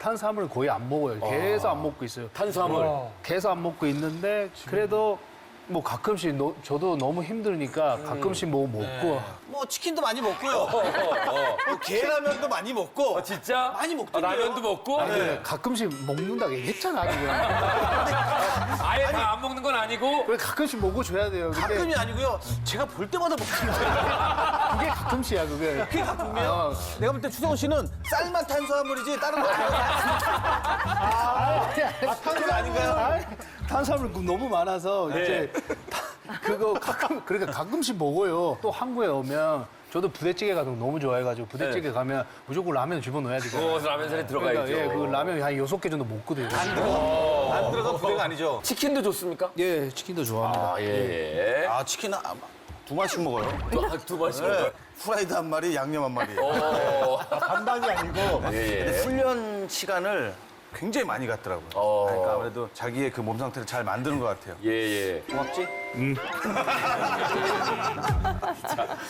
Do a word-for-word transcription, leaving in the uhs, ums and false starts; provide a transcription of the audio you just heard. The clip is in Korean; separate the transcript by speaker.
Speaker 1: 탄수화물을 거의 안 먹어요. 계속 안 먹고 있어요.
Speaker 2: 탄수화물.
Speaker 1: 계속 안 먹고 있는데 그래도 뭐 가끔씩 너- 저도 너무 힘드니까 가끔씩 뭐 먹고
Speaker 3: 뭐 치킨도 많이 먹고요. 뭐 계라면도 많이 먹고.
Speaker 2: 어, 진짜?
Speaker 3: 많이
Speaker 2: 아,
Speaker 3: 먹던데요.
Speaker 2: 라면도 먹고?
Speaker 1: 아니, 그래, 가끔씩 먹는다고 얘기했잖아 지금.
Speaker 2: 아예 다 안 먹는 건 아니고?
Speaker 1: 그래 가끔씩 먹어줘야 돼요. 근데
Speaker 3: 가끔이 아니고요. 제가 볼 때마다 먹던데.
Speaker 1: 그게 가끔씩이야 그게.
Speaker 3: 그게 가끔이에요?
Speaker 1: 어.
Speaker 3: 내가 볼 때 추성훈 씨는 쌀만 탄수화물이지 다른 거 아니에요? 아, 탄수화물 아닌가요?
Speaker 1: 아니, 탄수화물 너무 많아서
Speaker 2: 네.
Speaker 1: 이제 다- 그거 가끔 그러니까 가끔씩 먹어요. 또 한국에 오면 저도 부대찌개 같은 거 너무 좋아해가지고 부대찌개 가면 무조건 라면 집어넣어야 되잖아요.
Speaker 2: 구워서 라면 살에
Speaker 1: 그러니까
Speaker 2: 들어가야죠.
Speaker 1: 예, 그 라면 한 여섯 개 정도 먹거든요.
Speaker 3: 안 들어간 부대가 아니죠?
Speaker 2: 치킨도 좋습니까?
Speaker 1: 예, 치킨도 좋아합니다.
Speaker 2: 아, 예.
Speaker 3: 아, 치킨 한, 두 마리씩 먹어요.
Speaker 2: 두, 아, 두 번씩
Speaker 3: 네.
Speaker 2: 먹어요.
Speaker 3: 후라이드 한 마리, 양념 한 마리.
Speaker 2: 어.
Speaker 3: 반반이 아니고.
Speaker 2: 예, 예.
Speaker 3: 근데 훈련 시간을 굉장히 많이 갔더라고요.
Speaker 2: 어.
Speaker 3: 그러니까 아무래도 자기의 그 몸 상태를 잘 만드는 것 같아요.
Speaker 2: 예, 예.
Speaker 3: 고맙지?